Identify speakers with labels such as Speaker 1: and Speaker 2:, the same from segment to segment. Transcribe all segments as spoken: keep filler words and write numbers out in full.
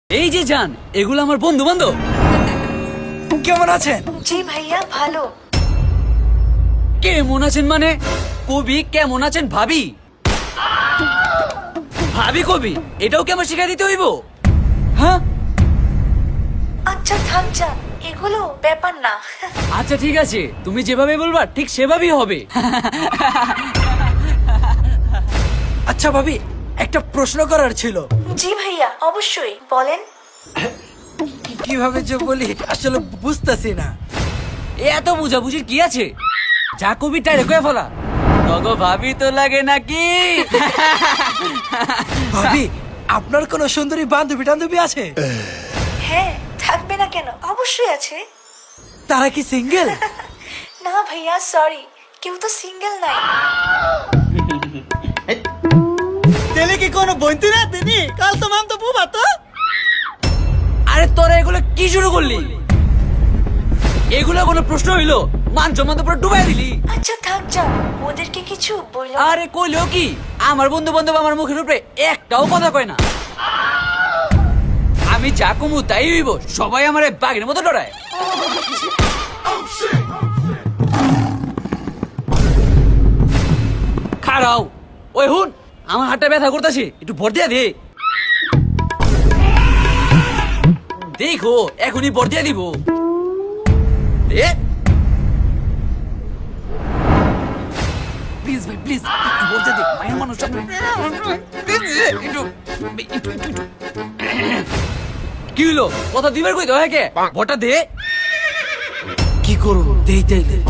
Speaker 1: এই যে জান, এগুলো আমার বন্ধু বান্ধব।
Speaker 2: কেমন আছেন?
Speaker 3: জি ভাইয়া ভালো।
Speaker 1: কেমন আছেন মানে? কবি কেমন আছেন ভাবি? ভাবি কবি, এটাও কি আমার শিখা দিতে হইব? হ্যাঁ
Speaker 3: আচ্ছা থাক যা, এগুলো ব্যাপার না।
Speaker 1: আচ্ছা ঠিক আছে, তুমি যেভাবে বলবা ঠিক সেভাবেই হবে।
Speaker 2: আচ্ছা ভাবি, একটা প্রশ্ন করার ছিল।
Speaker 3: জি ভাইয়া অবশ্যই বলেন।
Speaker 2: কিভাবে যে বলি আসলে বুঝতেছি না।
Speaker 1: এ এত বুঝাবুঝির কি আছে? যা কবি তাই রেখে ফেলা। তগো ভাবি তো লাগে নাকি?
Speaker 2: ভাবি, আপনার কোনো সুন্দরী বান্ধবী টান্ধবী আছে?
Speaker 3: হ্যাঁ থাকবে না কেন, অবশ্যই আছে।
Speaker 2: তারা কি সিঙ্গেল?
Speaker 3: না ভাইয়া সরি, কেউ তো সিঙ্গেল নাই।
Speaker 4: তেলে কি কোনো বইতে না তিনি কাল তো মাম তো বুবা তো।
Speaker 1: আরে তোরা এগুলো কি শুরু করলি? এগুলো কোনো প্রশ্ন হইলো? মান সম্মান তো পুরো ডুবাই দিলি।
Speaker 3: আচ্ছা থাক যা, ওদেরকে কিছু বললো।
Speaker 1: আরে কইলেও কি, আমার বন্ধু বান্ধব আমার মুখের উপরে একটাও কথা কয় না। আমি যা কমু তাই হইব, সবাই আমার বাঘের মতো ডরায়। খাড়াও, ওই হুন, আমার হাতটা ব্যথা করতেছে, একটু ভর দিয়া দে। দেখো এখনই ভর দিয়া দিব। দে প্লিজ ভাই প্লিজ, একটু ভর দিয়া দে, মায়ের মানুষ একটু একটু একটু। কি হলো, কথা দিবার কই দাও কে? ভরটা দে।
Speaker 2: কি করুন, দেই দেই দেই।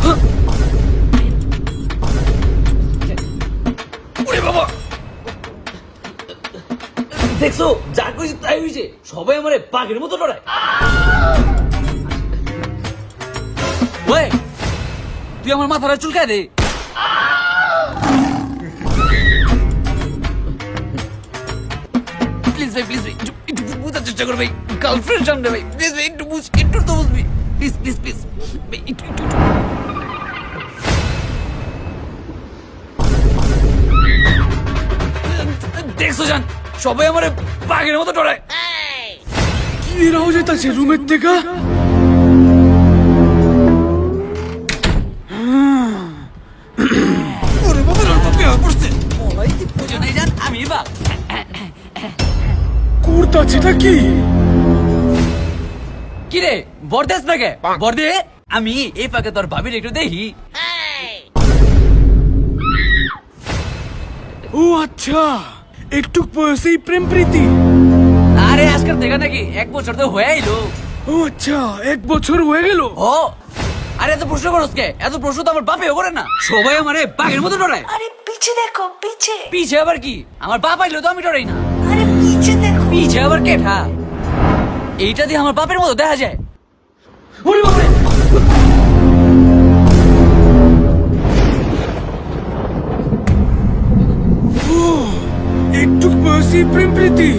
Speaker 1: ওরে বাবা, দেখছো যা কইছি তাই হইছে, সবাই আমারে বাঘের মতো ডরায়। ওই তুই আমার মাথাটা চুলকায় দে। প্লিজ ভাই প্লিজ ভাই, একটু একটু বুঝার চেষ্টা কর ভাই, গার্লফ্রেন্ড সামনে ভাই, প্লিজ ভাই একটু বুঝ, একটু তো বুঝবি, প্লিজ প্লিজ প্লিজ ভাই, একটু একটু একটু। দেখছো জান, সবাই আমার বাঘের মতো ডরায়।
Speaker 5: কি রাও যেতেছে রুমের থেকে?
Speaker 2: ওরে বাবা, ওর বাবা বিয়ে করছে।
Speaker 1: ওই তুই বুঝো নাই জান, আমি বাঘ।
Speaker 5: করতাছেটা কি?
Speaker 1: কি রে বরদেস নাকি? বরদে, আমি এই পাকে তোর ভাবির একটু দেখি।
Speaker 5: ও আচ্ছা, একটু বয়সেই প্রেম প্রীতি।
Speaker 1: আরে আজকাল দেখা নাকি, এক বছর তো হয়ে আইলো।
Speaker 5: ও আচ্ছা, এক বছর হয়ে গেল।
Speaker 1: ও আরে এত প্রশ্ন করস কে? এত প্রশ্ন তো আমার বাপেও করে না। সবাই আমারে বাঘের মতো ডরায়।
Speaker 3: আরে পিছে দেখো পিছে।
Speaker 1: পিছে আবার কি? আমার বাপ আইলো তো আমি ডরাই না।
Speaker 3: আরে পিছে দেখো।
Speaker 1: পিছে আবার কেঠা? এইটা দিয়ে আমার বাপের মতো দেখা যায়। ওরে বাপরে,
Speaker 5: ও একটু বয়সেই প্রেম প্রীতি।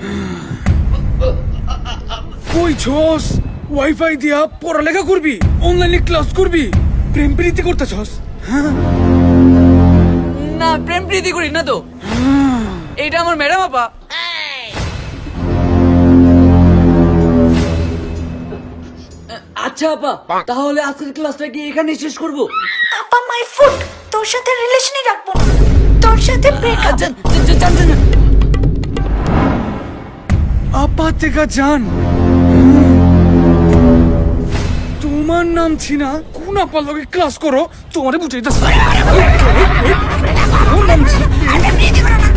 Speaker 5: কই ছস? ওয়াইফাই দিয়া পড়ালেখা করবি, অনলাইনে ক্লাস করবি, প্রেম প্রীতি করতেছস?
Speaker 1: না প্রেম প্রীতি করি না তো, এইটা আমার ম্যাডাম আপা। আচ্ছা আপা, তাহলে আজকের ক্লাসটা কি এখানে শেষ করবো?
Speaker 3: আপা মাই ফুট, তোর সাথে রিলেশনই রাখবো না, তোর সাথে ব্রেকআপ।
Speaker 1: আচ্ছা জান জান জান।
Speaker 5: আপা থেকে জান, তোমার নাম ছিনা কোন আপা লগে ক্লাস করো, তোমারে বুঝাইতেছ। ওর নাম ছি-